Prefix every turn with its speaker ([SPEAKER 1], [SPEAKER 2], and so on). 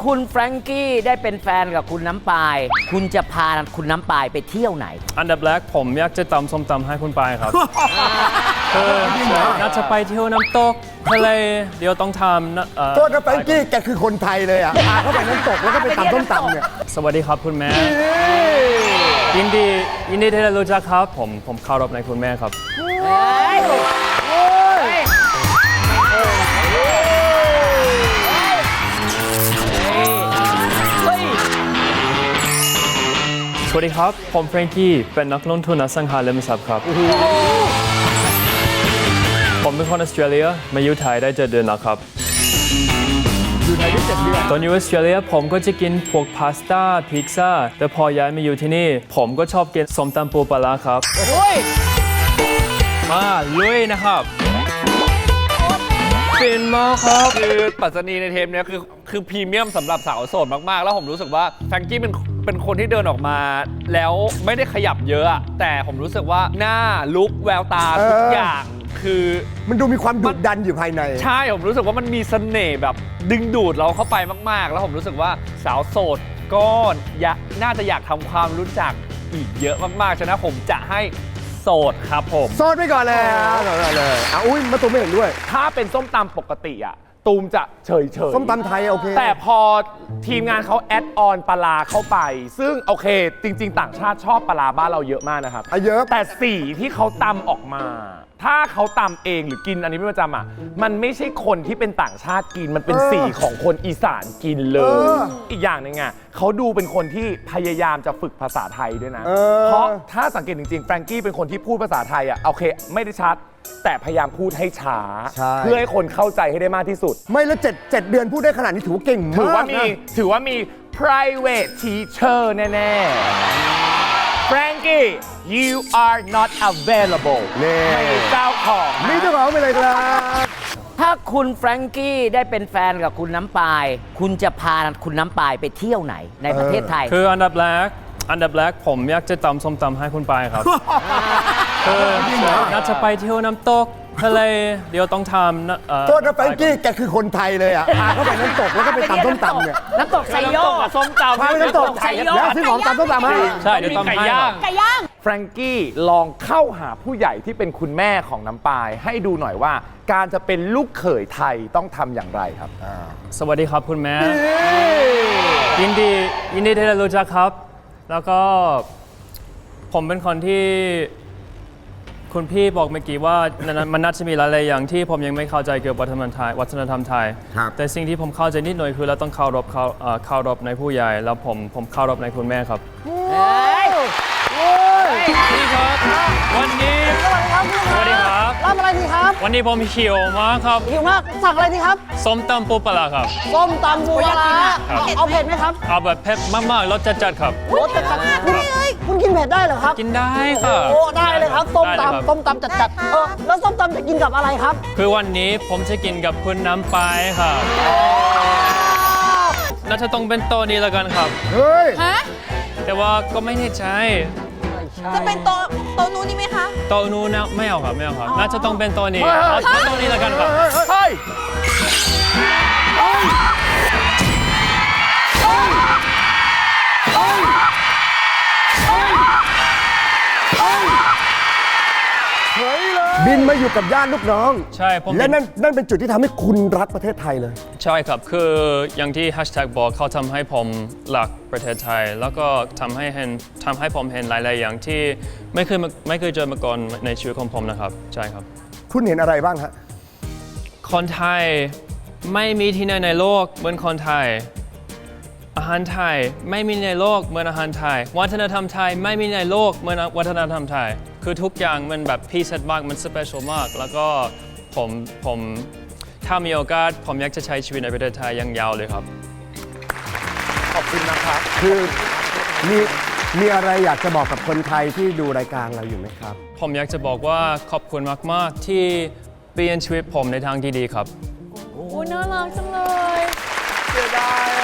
[SPEAKER 1] คุณแฟรงกี้ได้เป็นแฟนกับคุณน้ำปายคุณจะพาคุณน้ำปายไปเที่ยวไหน
[SPEAKER 2] อันดับแรกผมอยากจะตำส้มตำให้คุณปายครับน่าจะไปเที่ยวน้ำตกทะเลเดี๋ยวต้องทำ
[SPEAKER 3] โทษนะแฟรงกี้แกคือคนไทยเลยอ่ะพาเข้าไปน้ำตกแล้วก็ไปตำส้มตำเนี่ย
[SPEAKER 2] สวัสดีครับคุณแม่ยินดีที่ได้รู้จักครับผมเคารพในคุณแม่ครับสวัสดีครับผมแฟรงกี้เป็นนักลงทุนอสังหาริมทรัพย์ครับผมเป็นคนออสเตรเลียมาอยู่ไทยได้7 เดือนแล้วครับ
[SPEAKER 3] อยู่ไทยได้7 เดือน
[SPEAKER 2] ตอนอยู่ออสเตรเลียผมก็จะกินพวกพาสต้าพิซซ่าแต่พอย้ายมาอยู่ที่นี่ผมก็ชอบกินส้มตำปูปลาร้าครับมาลุยนะครับฟินมากครับ
[SPEAKER 4] คือปัจจนีในเทปนี้คือพรีเมียมสำหรับสาวโสดมากๆแล้วผมรู้สึกว่าแฟรงกี้เป็นคนที่เดินออกมาแล้วไม่ได้ขยับเยอะแต่ผมรู้สึกว่าหน้าลุคแววตาทุกอย่างคือ
[SPEAKER 3] มันดูมีความดุดันอยู่ภายใน
[SPEAKER 4] ใช่ผมรู้สึกว่ามันมีเสน่ห์แบบดึงดูดเราเข้าไปมากๆแล้วผมรู้สึกว่าสาวโสดก็น่าจะอยากทำความรู้จักอีกเยอะมากๆฉะนั้นผมจะให้โสดครับผม
[SPEAKER 3] โสดไปก่อนเลยอุ้ยมาตูมไม่เห็นด้วย
[SPEAKER 4] ถ้าเป็นส้มตำปกติอะตูมจะเฉย
[SPEAKER 3] ส้มตำไทยโอเค
[SPEAKER 4] แต่พอทีมงานเขาแอดออนปลาเข้าไปซึ่งโอเคจริงๆต่างชาติชอบปลาบ้านเราเยอะมากนะครับ
[SPEAKER 3] เยอะ
[SPEAKER 4] แต่สีที่เขาตำออกมาถ้าเขาตำเองหรือกินอันนี้ไม่ประจำอ่ะมันไม่ใช่คนที่เป็นต่างชาติกินมันเป็นสีของคนอีสานกินเลยอีกอย่างหนึ่งอ่ะเขาดูเป็นคนที่พยายามจะฝึกภาษาไทยด้วยนะเพราะถ้าสังเกตจริงๆแฟรงกี้เป็นคนที่พูดภาษาไทยอ่ะโอเคไม่ได้ชัดแต่พยายามพูดให้ช้าเพื่อให้คนเข้าใจให้ได้มากที่สุด
[SPEAKER 3] ไม่แล้ว7 เดือนพูดได้ขนาดนี้ถือว่าเก่งมาก
[SPEAKER 4] ถือว่ามี private teacher แน่ๆ Frankie you are not available ไม่มีเจ้าของ
[SPEAKER 3] มีเจ้าของไปเลยครับ
[SPEAKER 1] ถ้าคุณแฟรงกี้ได้เป็นแฟนกับคุณน้ำปายคุณจะพาคุณน้ำปายไปเที่ยวไหนในประเทศไทย
[SPEAKER 2] คืออันดับแรกผมอยากจะตำส้มตำให้คุณปายครับน่าจะไปเที่ยวน้ำตกทะเลเดี๋ยวต้องทำ
[SPEAKER 3] โทษนะแฟรงกี้แกคือคนไทยเลยอ่ะพาเข้าไปน้ำตกแล้วก็ไปตำส้มตำเนี่ย
[SPEAKER 1] น้ำตกไซโยก
[SPEAKER 4] ส้มตำ
[SPEAKER 3] พาไปน้ำตกแล้วซื้อของตำส้มตำให้
[SPEAKER 2] ใช่เดี๋ยวตำให้
[SPEAKER 1] ไก่ย่าง
[SPEAKER 4] แฟรงกี้ลองเข้าหาผู้ใหญ่ที่เป็นคุณแม่ของน้ำปายให้ดูหน่อยว่าการจะเป็นลูกเขยไทยต้องทำอย่างไรครับ
[SPEAKER 2] สวัสดีครับคุณแม่ยินดีที่ได้รู้จักครับแล้วก็ผมเป็นคนที่คุณพี่บอกเมื่อกี้ว่ามันน่าจะมีหลายๆอย่างที่ผมยังไม่เข้าใจเกี่ยวกับวัฒนธรรมไทยแต่สิ่งที่ผมเข้าใจนิดหน่อยคือเราต้องเคารพในผู้ใหญ่แล้วผมเคารพในคุณแม่ครับพี่ครับวันนี้สวัสดีครับ
[SPEAKER 5] รับอะไรดีครับ
[SPEAKER 2] วันนี้ผมหิวมากครับ
[SPEAKER 5] หิวมากสั่งอะไรดีครับ
[SPEAKER 2] ส้มตำปูปลาร้าครับ
[SPEAKER 5] ส้มตำปูปลาร้าเอาเผ็ดไหมครับ
[SPEAKER 2] เอาแบบเผ็ดมากๆรสจัดๆครับ
[SPEAKER 5] รสจัดคุณกินเผ็ดได้เหรอครับ
[SPEAKER 2] กินได้ค่ะ
[SPEAKER 5] โอ้ได้เลยครับส้มตำจัดๆแล้วส้มตำจะกินกับอะไรครับ
[SPEAKER 2] คือวันนี้ผมจะกินกับคุณน้ำปายครับน่าจะต้องเป็นโต๊ะนี้แล้วกันครับ
[SPEAKER 3] เฮ้ย
[SPEAKER 2] แต่ว่าก็ไม่แน่ใจ
[SPEAKER 6] จะเป็นโต๊ะนู้นนี่ไหมคะ
[SPEAKER 2] โต๊ะนู้นนะไม่เอาครับน่าจะต้องเป็นโต๊ะนี้เอาโต๊ะนี้แล้วกันครับ
[SPEAKER 3] เฮ้ยบินมาอยู่กับญาติลูกน้อง
[SPEAKER 2] ใช่
[SPEAKER 3] และนั่นเป็นจุดที่ทำให้คุณรักประเทศไทยเลย
[SPEAKER 2] ใช่ครับคืออย่างที่แฮชแท็กบอกเขาทำให้ผมรักประเทศไทยแล้วก็ทำให้ผมเห็นหลายๆอย่างที่ไม่เคยเจอมาก่อนในชีวิตของผมนะครับใช่ครับ
[SPEAKER 3] คุณเห็นอะไรบ้างฮะ
[SPEAKER 2] คนไทยไม่มีที่ไหนในโลกเหมือนคนไทยอาหารไทยไม่มีในโลกเหมือนอาหารไทยวัฒนธรรมไทยไม่มีในโลกเหมือนวัฒนธรรมไทยคือทุกอย่างมันแบบพิเศษมากมันสเปเชียลมากแล้วก็ผมถ้ามีโอกาสผมอยากจะใช้ชีวิตในประเทศไทยยังยาวเลยครับ
[SPEAKER 4] ขอบคุณนะครับ
[SPEAKER 3] คือมีอะไรอยากจะบอกกับคนไทยที่ดูรายการเราอยู่ไหมครับ
[SPEAKER 2] ผมอยากจะบอกว่าขอบคุณมากๆที่เปลี่ยนชีวิตผมในทางที่ดีครับ
[SPEAKER 6] โอ้น่ารักจังเลย
[SPEAKER 4] เสียดาย